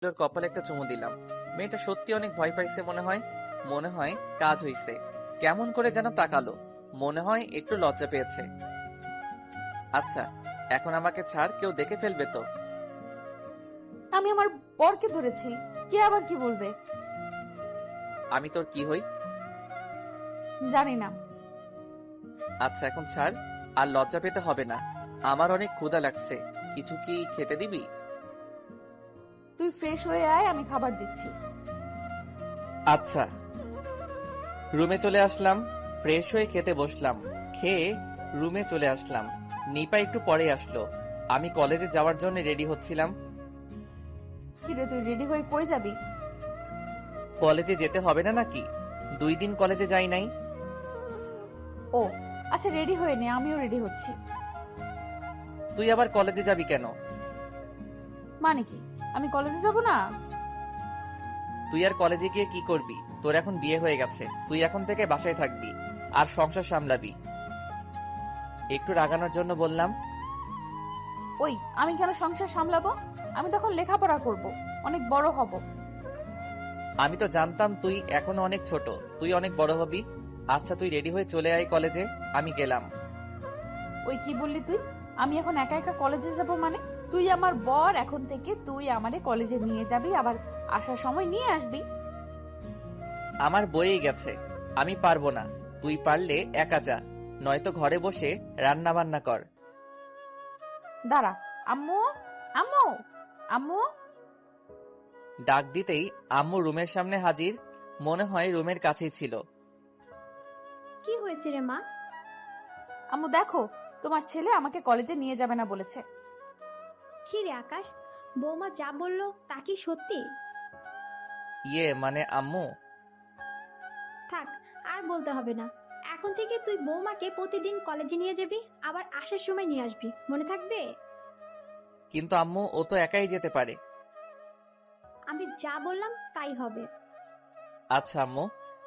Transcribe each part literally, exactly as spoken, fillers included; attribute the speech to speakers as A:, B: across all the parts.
A: ওর কপালে একটা চুমু দিলাম। মেয়েটা সত্যি অনেক ভয় পাইছে মনে হয়। মনে হয় কাজ হইছে। কেমন করে যেন তাকালো। মনে হয় একটু লজ্জা পেয়েছে। আচ্ছা, এখন আমাকে ছাড়, কেউ দেখে ফেলবে তো?
B: আমি আমার বরকে ধরেছি, কে আবার কি বলবে?
A: আমি তোর কি হই?
B: জানি না।
A: আচ্ছা এখন ছাড়, আর লজ্জা পেতে হবে না। আমার অনেক ক্ষুধা লাগছে, কিছু কি খেতে দিবি?
B: তুই ফ্রেশ হয়ে আয়, আমি খাবার দিচ্ছি।
A: আচ্ছা। রুমে চলে আসলাম, ফ্রেশ হয়ে খেতে বসলাম। খেয়ে রুমে চলে আসলাম। নিপা একটু পরে আসলো। আমি কলেজে যাওয়ার জন্য রেডি হচ্ছিলাম।
B: কিরে, তুই রেডি হয়ে কই যাবি?
A: কলেজে যেতে হবে না নাকি? দুই দিন কলেজে যাই নাই।
B: ও আচ্ছা, রেডি হয়ে নে, আমিও রেডি হচ্ছি।
A: তুই আবার কলেজে যাবি কেন?
B: মানে কি, আমি কলেজে যাব না?
A: তুই আর কলেজে গিয়ে কি করবি? তোর এখন বিয়ে হয়ে গেছে, তুই এখন থেকে বাসায় থাকবি আর সংসার সামলাবি। একটু রাগানোর জন্য বললাম।
B: ওই, আমি কেন সংসার সামলাবো? আমি তখন লেখাপড়া করব, অনেক বড় হব।
A: আমি তো জানতাম তুই এখনো অনেক ছোট, তুই অনেক বড় হবি। আচ্ছা তুই রেডি হয়ে চলে আয় কলেজে, আমি গেলাম।
B: ওই কি বললি তুই? আমি এখন একা একা কলেজে যাব মানে? তুই আমার বর, এখন থেকে তুই আমারে কলেজে নিয়ে যাবি, আবার আসার সময় নিয়ে আসবি।
A: আমার বয়েই গেছে, আমি পারবো না। তুই পারলে একা যা, নয়তো ঘরে বসে রান্না বান্না কর।
B: দাঁড়া। আম্মু, আম্মু, আম্মু।
A: ডাক দিতেই আম্মু রুমের সামনে হাজির। মনে হয় রুমের কাছেই ছিল।
C: কি হয়েছে রে মা?
B: আম্মু দেখো, তোমার ছেলে আমাকে কলেজে নিয়ে যাবে না বলেছে।
C: কি রে আকাশ, বৌমা যা বললো তা কি সত্যি?
A: ইয়ে মানে আম্মু।
C: থাক, আর বলতে হবে না। এখন থেকে তুই বৌমাকে প্রতিদিন কলেজে নিয়ে যাবি, আবার আসার সময় নিয়ে আসবি, মনে থাকবে?
A: কিন্তু আম্মু ও তো একাই যেতে পারে।
C: আমি যা বললাম তাই হবে।
A: আচ্ছা আম্মু।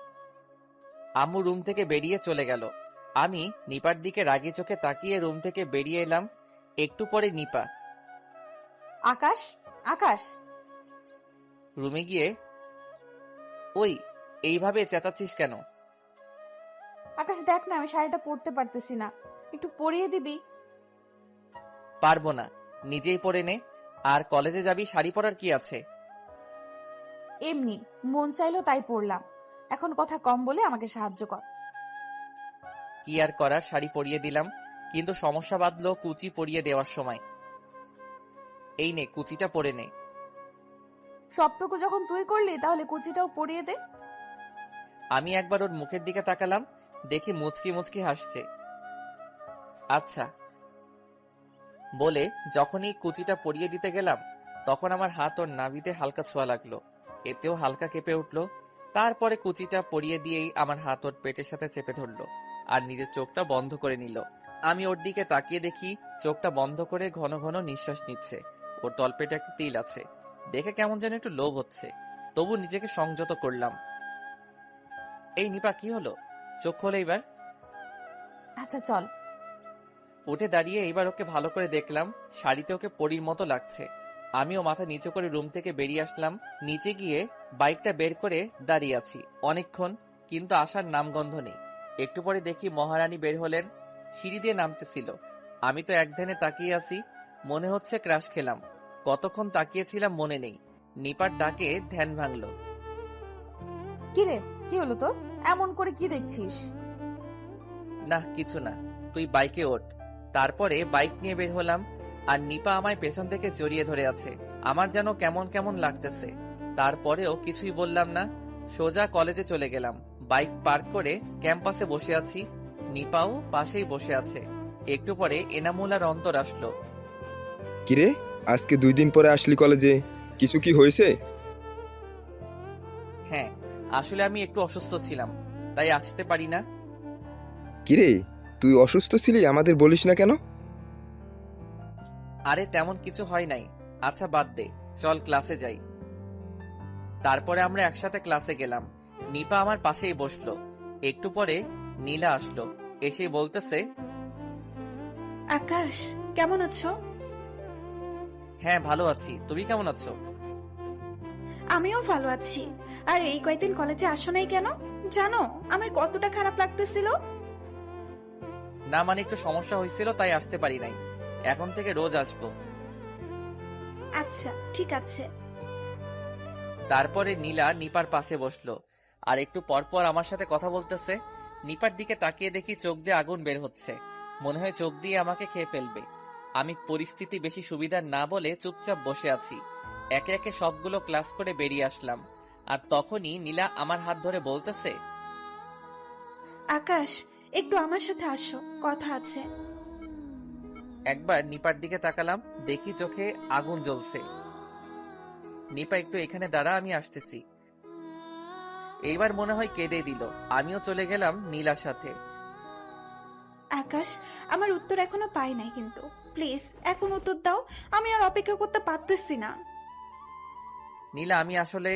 A: আম্মু রুম থেকে বেরিয়ে চলে গেল। আমি নিপার দিকে রাগী চোখে তাকিয়ে রুম থেকে বেরিয়ে এলাম। একটু পরে নিপা
B: আকাশ, আকাশ।
A: রুমে গিয়ে, ওই এইভাবে চেঁচাচ্ছিস কেন?
B: আকাশ দেখ না, আমি শাড়িটা পরতে পারতেছি না, একটু পরিয়ে দিবি?
A: পারবো না, নিজেই পরে নে। আর কলেজে যাবি, শাড়ি পরার কি আছে?
B: এমনি মন চাইলো তাই পরলাম। এখন কথা কম বলে আমাকে সাহায্য কর।
A: কি আর করার, শাড়ি পরিয়ে দিলাম। কিন্তু সমস্যা বাঁধলো কুচি পরিয়ে দেওয়ার সময়। এই নে কুচিটা পরে নে।
B: সবটুকু যখন তুই করলি, তাহলে কুচিটাও পরিয়ে দে।
A: আমি একবার ওর মুখের দিকে তাকালাম, দেখি মুচকি মুচকি হাসছে। আচ্ছা বলে যখনই কুচিটা পরিয়ে দিতে গেলাম, তখন আমার হাত ওর নাভিতে হালকা ছোঁয়া লাগলো। এতেও হালকা কেঁপে উঠলো। তারপরে কুচিটা পরিয়ে দিয়েই আমার হাত ওর পেটের সাথে চেপে ধরলো আর নিজের চোখটা বন্ধ করে নিল। আমি ওর দিকে তাকিয়ে দেখি চোখটা বন্ধ করে ঘন ঘন নিঃশ্বাস নিচ্ছে। ওর তলপেটে একটা তিল আছে, দেখে কেমন যেন একটু লোভ হচ্ছে। তবু নিজেকে সংযত করলাম। এই নিপা, কি হলো? চোখ খোলে এবার।
B: আচ্ছা চল।
A: উঠে দাঁড়িয়ে এইবার ওকে ভালো করে দেখলাম। শাড়িতে ওকে পরীর মতো লাগছে। আমিও মাথা নিচু করে রুম থেকে বেরিয়ে আসলাম। নিচে গিয়ে বাইকটা বের করে দাঁড়িয়ে আছি অনেকক্ষণ, কিন্তু আসার নামগন্ধ নেই। একটু পরে দেখি মহারানী বের হলেন, সিঁড়ি দিয়ে নামতেছিল। আমি তো এক ধ্যানে তাকিয়ে আছি, মনে হচ্ছে ক্রাশ খেলাম। কতক্ষণ তাকিয়েছিলাম মনে নেই। নিপার ডাকে ধ্যান ভাঙলো।
B: কিরে, কি হলো তোর? এমন করে কি দেখছিস?
A: না কিছু না, তুই বাইকে ওঠ। তারপরে বাইক নিয়ে বের হলাম, আর নিপা আমায় পেছন থেকে জড়িয়ে ধরে আছে। আমার যেন কেমন কেমন লাগতেছে। তারপরেও কিছুই বললাম না, সোজা কলেজে চলে গেলাম। বাইক পার্ক করে ক্যাম্পাসে বসে আছি, নিপাও পাশেই বসে আছে। একটু পরে এনামুল আর অন্তর আসলো।
D: কিরে, আজকে দুই দিন পরে আসলি কলেজে, কিছু কি হয়েছে?
A: হ্যাঁ, আসলে আমি একটু অসুস্থ ছিলাম, তাই আসতে পারি না।
D: কিরে, তুই অসুস্থ ছিলি, আমাদের বলিস না কেন?
A: আরে তেমন কিছু হয় নাই। আচ্ছা বাদ দে, চল ক্লাসে যাই। তারপরে আমরা একসাথে ক্লাসে গেলাম। নিপা আমার পাশেই বসলো। একটু পরে নীলা আসলো, এসে বলতেছে,
E: আকাশ, কেমন আছো?
A: হ্যাঁ ভালো আছি, তুমি কেমন আছো?
E: আমিও ভালো আছি। আর এই কয়েকদিন কলেজে আসো নাই কেন? জানো আমার কতটা খারাপ লাগতেছিল।
A: না মানে একটু সমস্যা হয়েছিল তাই আসতে পারি নাই। এখন থেকে রোজ আসবো।
E: আচ্ছা ঠিক আছে।
A: তারপরে নীলা নিপার পাশে বসলো আর একটু পরপর আমার সাথে কথা বলতেছে। নিপার দিকে তাকিয়ে দেখি চোখ দিয়ে আগুন বের হচ্ছে, মনে হয় চোখ দিয়ে আমাকে খেয়ে ফেলবে। আমি পরিস্থিতি বেশি সুবিধার না বলে চুপচাপ বসে আছি। একে একে সবগুলো ক্লাস করে বেরিয়ে আসলাম, আর তখনই নীলা আমার হাত ধরে বলতেছে,
E: আকাশ একটু আমার সাথে আসো, কথা আছে।
A: একবার নিপার দিকে তাকালাম, দেখি চোখে আগুন জ্বলছে। নিপা একটু এখানে দাঁড়া, আমি আসতেছি। এইবার মনে হয় কেঁদে দিল। আমিও চলে গেলাম নীলার সাথে।
E: আকাশ আমার উত্তর এখনো পাই নাই, কিন্তু প্লিজ এখন উত্তর দাও, আমি আর অপেক্ষা করতে পারতেছি না।
A: নীলা আমি আসলে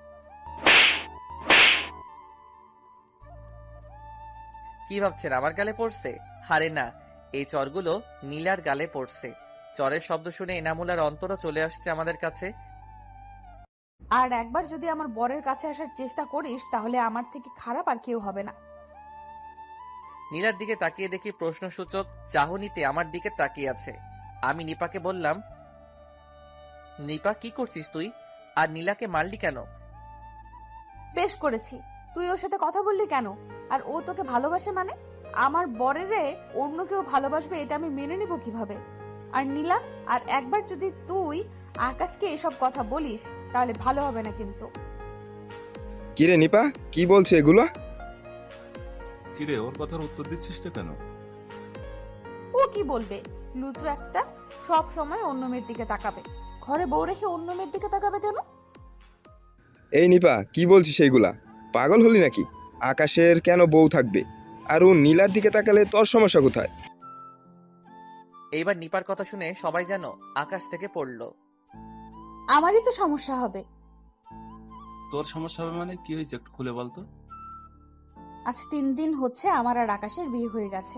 A: কি ভাবছেন আমার গালে পড়ছে? হারে না, এই চরগুলো নীলার গালে পড়ছে। চরের শব্দ শুনে এনামুলার অন্তরও চলে আসছে আমাদের কাছে।
B: আর একবার যদি আমার বরের কাছে আসার চেষ্টা করিস তাহলে আমার থেকে খারাপ আর কেউ হবে না।
A: নীলার দিকে তাকিয়ে দেখি প্রশ্নসূচক চাহনিতে আমার দিকে তাকিয়ে আছে। আমি নিপাকে বললাম, নিপা কি করছিস তুই? আর নীলাকে মারলি কেন?
B: বেশ করেছি, তুই ওর সাথে কথা বললি কেন? আর ও তোকে ভালোবাসে মানে? আমার বরেরে অন্য কেউ ভালোবাসবে এটা আমি মেনে নিব কিভাবে? আর নীলা, আর একবার যদি তুই আকাশকে এসব কথা বলিস তাহলে ভালো হবে না কিন্তু।
D: কিরে নিপা, কি বলছে এগুলো?
F: কিরে, ওর কথার উত্তর দিচ্ছিস না কেন?
B: ও কি বলবে? লুচু একটা, সব সময় অন্য মেয়ের দিকে তাকাবে। ঘরে বউ রেখে অন্য মেয়ের দিকে তাকাবে কেন?
D: এই নিপা, কি বলছিস এইগুলা? পাগল হলি নাকি? আকাশের কেন বউ থাকবে? আর ও নীলার দিকে তাকালে তোর সমস্যা কোথায়?
A: এইবার নিপার কথা শুনে সবাই যেন আকাশ থেকে পড়ল।
B: আমারই তো সমস্যা হবে।
F: তোর সমস্যা হবে মানে কি হয়েছে, একটু খুলে বলতো।
B: আজ তিন দিন হচ্ছে আমার আর আকাশের বিয়ে হয়ে গেছে।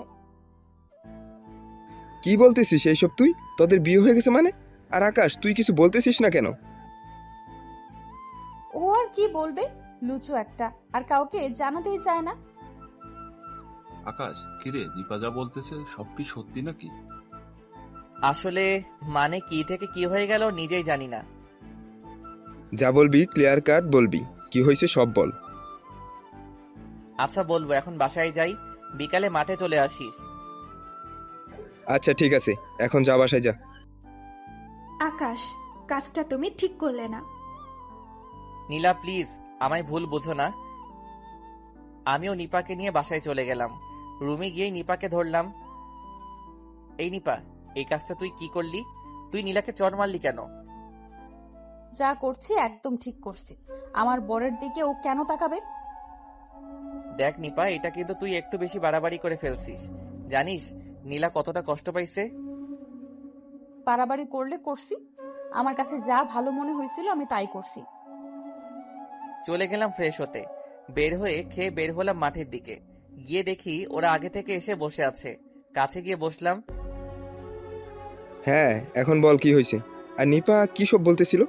D: কি বলতেছিস এইসব তুই? তোদের বিয়ে হয়ে গেছে মানে? আর আকাশ, তুই কিছু বলতেছিস না কেন?
B: ও আর কি বলবে, লুচু একটা, আর কাউকে জানাতেই চায় না।
F: আকাশ, কিরে, দীপা যা বলতেছে সব কি সত্যি নাকি?
A: আসলে মানে কি থেকে কি হয়ে গেল নিজেই জানি না।
D: যা বলবি ক্লিয়ার কাট বলবি, কি হয়েছে সব বল।
A: আচ্ছা বলবো, এখন বাসায় যাই, বিকালে মাঠে চলে আসিস।
D: আচ্ছা ঠিক আছে, এখন যা, বাসায় যা।
E: আকাশ কাজটা তুমি ঠিক করলে না।
A: নীলা প্লিজ, আমায় ভুল বোঝো না। আমিও নিপাকে নিয়ে বাসায় চলে গেলাম। রুমে গিয়েই নিপাকে ধরলাম। এই নিপা, এই কাজটা তুই কি করলি? তুই নীলাকে চড় মারলি কেন?
B: যা করছি একদম ঠিক করছি। আমার বরের দিকে ও কেন তাকাবে?
A: দেখ নিপা, এটা কিন্তু তুই একটু বেশি বাড়াবাড়ি করে ফেলছিস। জানিস নীলা কতটা কষ্ট পাইছে?
B: বাড়াবাড়ি করলে করছি, আমার কাছে যা ভালো মনে হয়েছিল আমি তাই করছি।
A: চলে গেলাম ফ্রেশ হতে। বের হয়ে খেয়ে বের হলাম মাঠের দিকে। গিয়ে দেখি ওরা আগে থেকে এসে বসে আছে। কাছে গিয়ে বসলাম।
D: হ্যাঁ, এখন বল কি হয়েছে? আর নিপা কি সব বলতেছিল?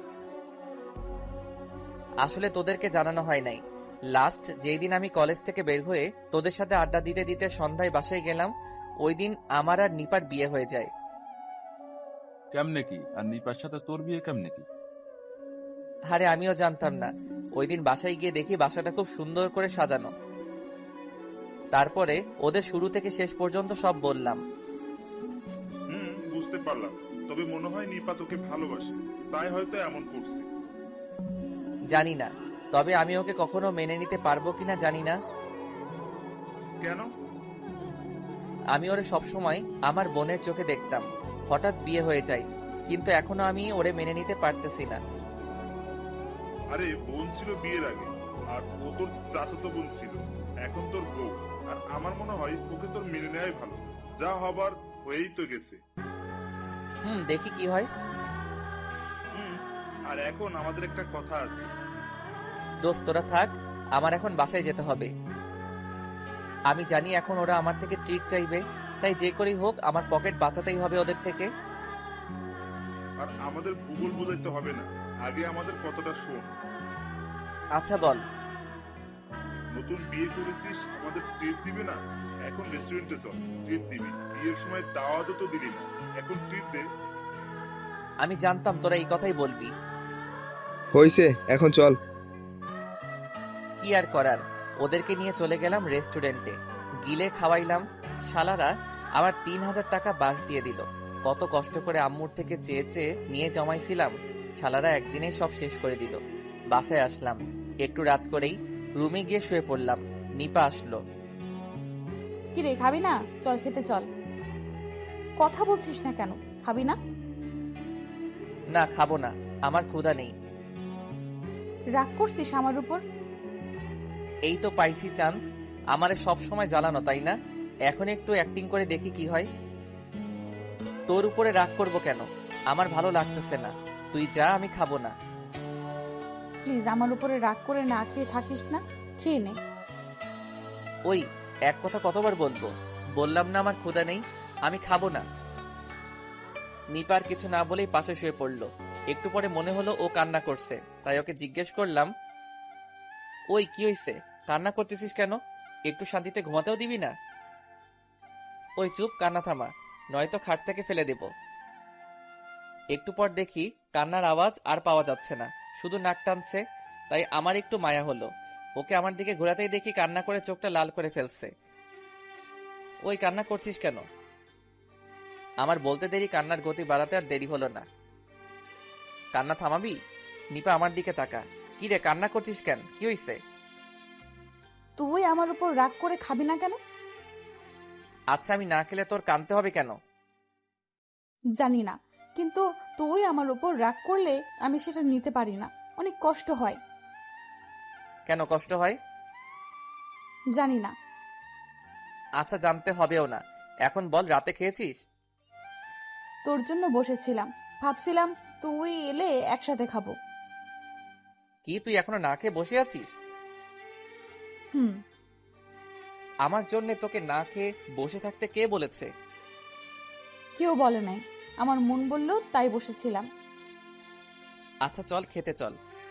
A: আসলে তোদেরকে জানানো হয় নাই। লাস্ট যেই দিন আমি কলেজ থেকে বের হয়ে তোদের সাথে আড্ডা দিতে দিতে সন্ধ্যায় বাসায় গেলাম, ওই দিন আমার আর নিপার বিয়ে হয়ে যায়।
F: কেমনে কি? আর নিপার সাথে তোর বিয়ে কেমনে কি?
A: আরে আমিও জানতাম না। ওই দিন বাসায় গিয়ে দেখি বাসাটা খুব সুন্দর করে সাজানো। তারপরে ওদের শুরু থেকে শেষ পর্যন্ত সব বললাম।
G: হুম, বুঝতে পারলাম। তবে মনে হয় নিপা তোকে ভালোবাসে, তাই হয়তো এমন করছে।
A: জানি না, তবে আমি ওকে কখনো মেনে নিতে পারবো কিনা জানি না।
G: কেন?
A: আমি ওরে সবসময় আমার বোনের চোখে দেখতাম। হঠাৎ বিয়ে হয়ে যায়, কিন্তু এখনো আমি ওরে মেনে নিতে পারতেছি না।
G: আরে বোন ছিল বিয়ের আগে, আর ও তোর চাচাতো বোন ছিল, এখন তোর বউ। আর আমার মনে হয় ওকে তোর মেনে নেওয়াই ভালো। যা হবার হয়েই তো গেছে।
A: হুম, দেখি কি হয়।
G: হুম, আর এখন আমাদের একটা কথা আছে।
A: দোস্ত তোরা থাক, আমার এখন বাসায় যেতে হবে। আমি জানি এখন ওরা আমার থেকে ট্রিট চাইবে, তাই যে করেই হোক আমার পকেট বাঁচাতেই হবে ওদের থেকে।
G: আর আমাদের ভূগোল বোঝাইতে হবে না, আগে আমাদের কথাটা শোন।
A: আচ্ছা বল।
G: নতুন বিয়ে করেছিস, আমাদের ট্রিট দিবে না? এখন রেস্টুরেন্টে চল, ট্রিট দিবি। বিয়ের সময় দাওয়াতও তো দিলি না, এখন ট্রিট দে।
A: আমি জানতাম তোরা এই কথাই বলবি।
D: হইছে, এখন চল।
A: কি আর করার, ওদেরকে নিয়ে চলে গেলাম রেস্টুরেন্টে। গিলে খাওয়াইলাম। শালারা আমার তিন হাজার টাকা বাস দিয়ে দিল। কত কষ্ট করে আম্মুর থেকে চেয়ে চেয়ে নিয়ে জমাইছিলাম, শালারা একদিনে সব শেষ করে দিল। বাসায় আসলাম, একটু রাত করেই রুমে গিয়ে শুয়ে পড়লাম। নিপা আসলো।
B: কি রে, খাবি না? চল খেতে চল। কথা বলছিস না কেন? খাবি না?
A: না, খাবো না, আমার ক্ষুধা নেই।
B: রাগ করছিস আমার উপর?
A: এই তো পাইছি চান্স, আমারে সব সময় জ্বালানো, তাই না? এখন একটু অ্যাক্টিং করে দেখি কি হয়। তোর উপরে রাগ করব কেন? আমার ভালো লাগতেছে না, তুই যা, আমি খাবো না।
B: প্লিজ আমার উপরে রাগ করে না খেয়ে থাকিস না, খেয়ে নে।
A: ওই এক কথা কতবার বলবো? বললাম না আমার ক্ষুধা নেই, আমি খাবো না। নিপার কিছু না বলেই পাশে শুয়ে পড়লো। একটু পরে মনে হলো ও কান্না করছে, তাই ওকে জিজ্ঞেস করলাম, ওই কি হইছে, কান্না করতেছিস কেন? একটু শান্তিতে ঘুমাতেও দিবি না? ওই চুপ, কান্না থামা, নয়তো খাট থেকে ফেলে দেব। একটু পর দেখি কান্নার আওয়াজ আর পাওয়া যাচ্ছে না, শুধু নাক টানছে। তাই আমার একটু মায়া হলো। ওকে আমার দিকে ঘোরাতেই দেখি কান্না করে চোখটা লাল করে ফেলছে। ওই কান্না করছিস কেন? আমার বলতে দেরি কান্নার গতি বাড়াতে আর দেরি হলো না। কান্না থামাবি? নিপা আমার দিকে তাকা। কি রে, কান্না করছিস কেন? কি হইছে?
B: তুই আমার উপর রাগ করে খাবি না কেন?
A: আচ্ছা, আমি না খেলে তোর কাঁদতে হবে কেন?
B: জানি না, কিন্তু তুই আমার উপর রাগ করলে আমি সেটা নিতে পারি না, অনেক কষ্ট হয়।
A: কেন কষ্ট হয়?
B: জানি না।
A: আচ্ছা, জানতে হবেও না। এখন বল, রাতে খেয়েছিস?
B: তোর জন্য বসেছিলাম, ভাবছিলাম তুই এলে একসাথে খাবো।
A: কি, তুই এখনো না খেয়ে বসে আছিস?
B: হুম।
A: আমার জন্য তোকে না খেয়ে বসে থাকতে কে বলেছে?
B: কেউ বলে নাই, আমার মন বলল তাই বসেছিলাম।
A: আচ্ছা চল, খেতে চল।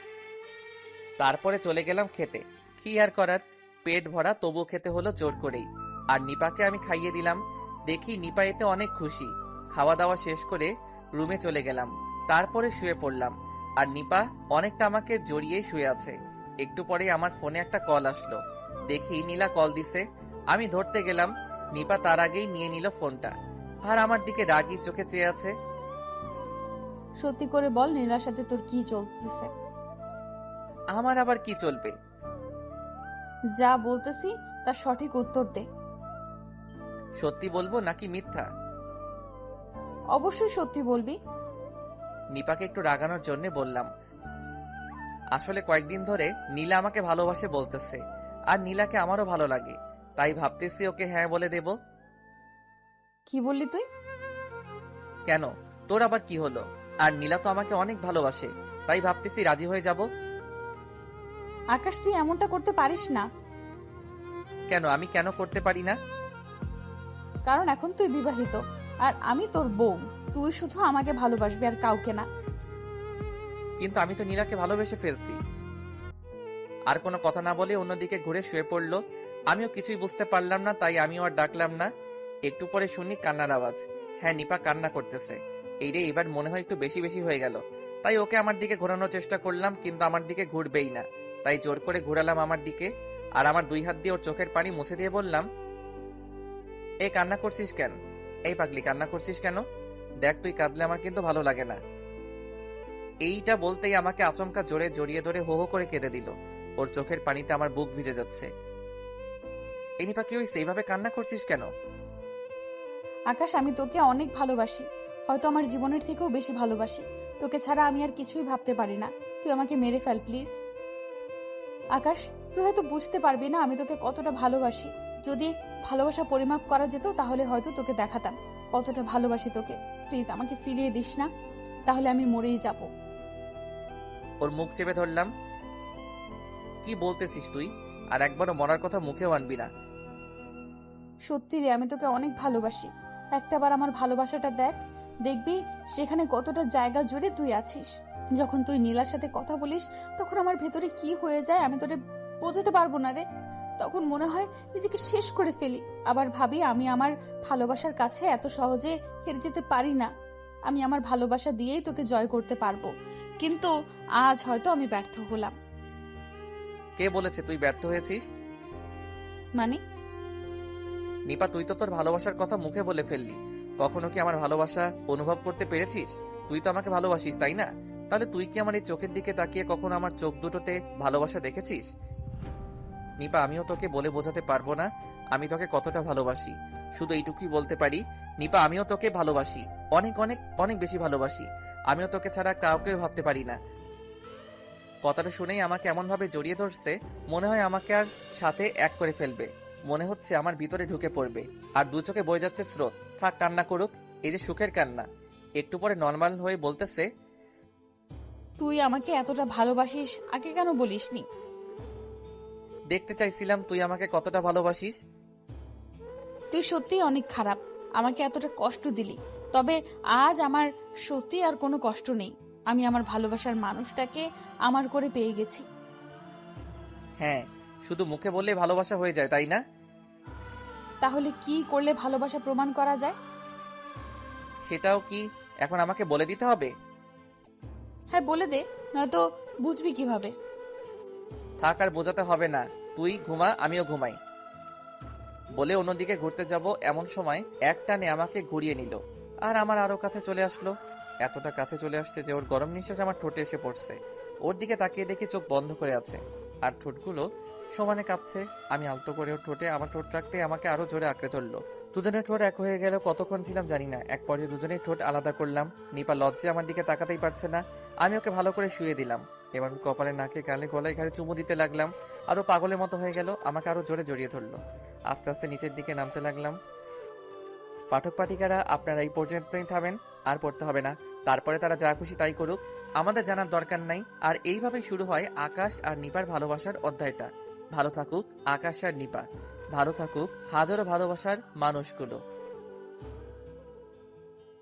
A: তারপরে চলে গেলাম খেতে। কি আর করার, পেট ভরা তবু খেতে হলো জোর করেই। আর নিপাকে আমি খাইয়ে দিলাম। দেখি নিপা এতে অনেক খুশি। খাওয়া দাওয়া শেষ করে রুমে চলে গেলাম। তারপরে শুয়ে পড়লাম। আর নিপা অনেকটা আমাকে জড়িয়ে শুয়ে আছে। একটু পরে আমার ফোনে একটা কল আসলো। দেখি নীলা কল দিছে। আমি ধরতে গেলাম, নিপা তার আগেই নিয়ে নিল ফোনটা। আর আমার দিকে রাগী চোখে চেয়ে আছে।
B: সত্যি করে বল, নীলার সাথে তোর কি চলতেছে?
A: আমার আবার কি চলবে?
B: যা বলতেছি তার সঠিক উত্তর দে।
A: সত্যি বলবো নাকি মিথ্যা?
B: অবশ্যই সত্যি বলবি।
A: নিপাকে একটু রাগানোর জন্য বললাম, আসলে কয়েকদিন ধরে নীলা আমাকে ভালোবাসে বলতেছে। আর নীলাকে আমারও ভালো লাগে, তাই ভাবতেছি ওকে হ্যাঁ বলে দেব।
B: কি বললি তুই?
A: কেন, তোর আবার কি হলো? আর নীলা তো আমাকে অনেক ভালোবাসে, তাই ভাবতেছি রাজি হয়ে যাব।
B: আকাশ, তুই এমনটা করতে পারিস না।
A: কেন, আমি কেন করতে পারি না?
B: কারণ এখন তুই বিবাহিত আর আমি তোর বউ। তুই শুধু আমাকে ভালোবাসবি আর কাউকে না।
A: কিন্তু আমি তো নীলাকে ভালোবেসে ফেলছি। আর কোনো কথা না বলে অন্যদিকে ঘুরে শুয়ে পড়লো। আমিও কিছুই বুঝতে পারলাম না, তাই আমিও আর ডাকলাম না। একটু পরে শুনি কান্নার আওয়াজ। হ্যাঁ, নিপা কান্না করতেছে। এই রে, এবার মনে হয় একটু বেশি বেশি হয়ে গেল। তাই ওকে আমার দিকে ঘোরানোর চেষ্টা করলাম, কিন্তু আমার দিকে ঘুরবেই না। তাই জোর করে ঘুরালাম আমার দিকে। আর আমার দুই হাত দিয়ে ওর চোখের পানি মুছে দিয়ে বললাম, এই কান্না করছিস কেন? এই পাগলি, কান্না করছিস কেন? দেখ, তুই কাঁদলে আমার কিন্তু ভালো লাগে না। এইটা বলতেই আমাকে আচমকা জোরে জড়িয়ে ধরে হো হো করে কেঁদে দিল। ওর চোখের পানিতে আমার বুক ভিজে যাচ্ছে। এই নিপা, কি হইছে? এইভাবে কান্না করছিস কেন?
B: আকাশ, আমি তোকে অনেক ভালোবাসি, হয়তো আমার জীবনের থেকেও বেশি ভালোবাসি। তোকে ছাড়া আমি আর কিছুই ভাবতে পারি না। তুই আমাকে মেরে ফেল প্লিজ। আকাশ, তুই হয়তো বুঝতে পারবি না আমি তোকে কতটা ভালোবাসি। যদি ভালোবাসা পরিমাপ করা যেত তাহলে হয়তো তোকে দেখাতাম কতটা ভালোবাসি তোকে। প্লিজ আমাকে ফিরিয়ে দিস না, তাহলে আমি মরেই যাব।
A: ওর মুখ চেপে ধরলাম। কি বলতেছিস তুই? আর একবারও মরার কথা মুখেও আনবি না।
B: সত্যি রে, আমি তোকে অনেক ভালোবাসি। একটাবার আমার ভালোবাসাটা দেখ, দেখবি সেখানে কতটা জায়গা জুড়ে তুই আছিস। যখন তুই নীলার সাথে কথা বলিস তখন আমার ভেতরে কি হয়ে যায় আমি তোরে বোঝাতে পারবো না রে। তখন মনে হয় নিজেকে শেষ করে ফেলি, আবার ভাবি আমি আমার ভালোবাসার কাছে এত সহজে হেরে যেতে পারি না। আমি আমার ভালোবাসা দিয়েই তোকে জয় করতে পারবো, কিন্তু আজ হয়তো আমি ব্যর্থ হলাম।
A: কে বলেছে তুই ব্যর্থ হয়েছিস?
B: মানে?
A: নিপা, তুই তো তোর ভালোবাসার কথা মুখে বলে ফেললি। কখনো কি আমার ভালোবাসা অনুভব করতে পেরেছিস? তুই তো আমাকে ভালোবাসিস, তাই না? তাহলে তুই কি আমার এই চোখের দিকে তাকিয়ে কখনো আমার চোখ দুটোতে ভালোবাসা দেখেছিস? নিপা, আমিও তোকে বলে বোঝাতে পারবো না আমি তোকে কতটা ভালোবাসি। শুধু এইটুকুই বলতে পারি, নিপা, আমিও তোকে ভালোবাসি, অনেক অনেক অনেক বেশি ভালোবাসি। আমিও তোকে ছাড়া কাউকে ভাবতে পারি না। কথাটা শুনেই আমাকে এমন ভাবে জড়িয়ে ধরছে, মনে হয় আমাকে আর সাথে এক করে ফেলবে। মনে হচ্ছে আমার ভিতরে ঢুকে পড়বে। আর দু চোখে বয়ে যাচ্ছে স্রোত। থাক, কান্না করুক, এই যে সুখের কান্না। একটু পরে নর্মাল হয়ে বলতেছে,
B: তুই আমাকে এতটা ভালোবাসিস, আগে কেন বলিসনি?
A: দেখতে চাইছিলাম তুই আমাকে কতটা ভালোবাসিস।
B: তুই সত্যিই অনেক খারাপ, আমাকে এতটা কষ্ট দিলি। তবে আজ আমার সত্যি আর কোনো কষ্ট নেই। আমি আমার ভালোবাসার মানুষটাকে আমার করে পেয়ে গেছি।
A: হ্যাঁ, শুধু মুখে বললেই ভালোবাসা হয়ে যায়, তাই না?
B: তাহলে কি করলে ভালোবাসা প্রমাণ করা যায়?
A: সেটাও কি এখন আমাকে বলে দিতে হবে?
B: হ্যাঁ, বলে দে, নয়তো বুঝবি কিভাবে?
A: থাক, আর বোঝাতে হবে না। তুই ঘুমা, আমিও ঘুমাই। বলে অন্যদিকে ঘুরতে যাব এমন সময় এক টানে আমাকে ঘুরিয়ে নিল আর আমার আরো কাছে চলে আসলো। এতটা কাছে চলে আসছে যে ওর গরম নিঃশ্বাস আমার ঠোঁটে এসে পড়ছে। ওর দিকে তাকিয়ে দেখি চোখ বন্ধ করে আছে আর ঠোঁটগুলো সমানে কাঁপছে। আমি আলতো করে ওর ঠোঁটে আমার ঠোঁট রাখতে আমাকে আরো জোরে আঁকড়ে ধরলো। দুজনের ঠোঁট এক হয়ে গেল। কতক্ষণ ছিলাম জানি না। এক পর্যায়ে দুজনেই ঠোঁট আলাদা করলাম। নিপা লজ্জে আমার দিকে তাকাতেই পারছে না। আমি ওকে ভালো করে শুয়ে দিলাম। এবার কপালে, নাকে, গালে, গলায়, ঘাড়ে চুমু দিতে লাগলাম। আরো পাগলের মতো হয়ে গেল, আমাকে আরো জোরে জড়িয়ে ধরলো। আস্তে আস্তে নিচের দিকে নামতে লাগলাম। পাঠক পাঠিকারা, আপনারা এই পর্যন্তই থামেন, আর পড়তে হবে না। তারপরে তারা যা খুশি তাই করুক, আমাদের জানার দরকার নাই। আর এইভাবেই শুরু হয় আকাশ আর নিপার ভালোবাসার অধ্যায়টা। ভালো থাকুক আকাশ আর নিপা, ভালো থাকুক হাজারো ভালোবাসার মানুষগুলো।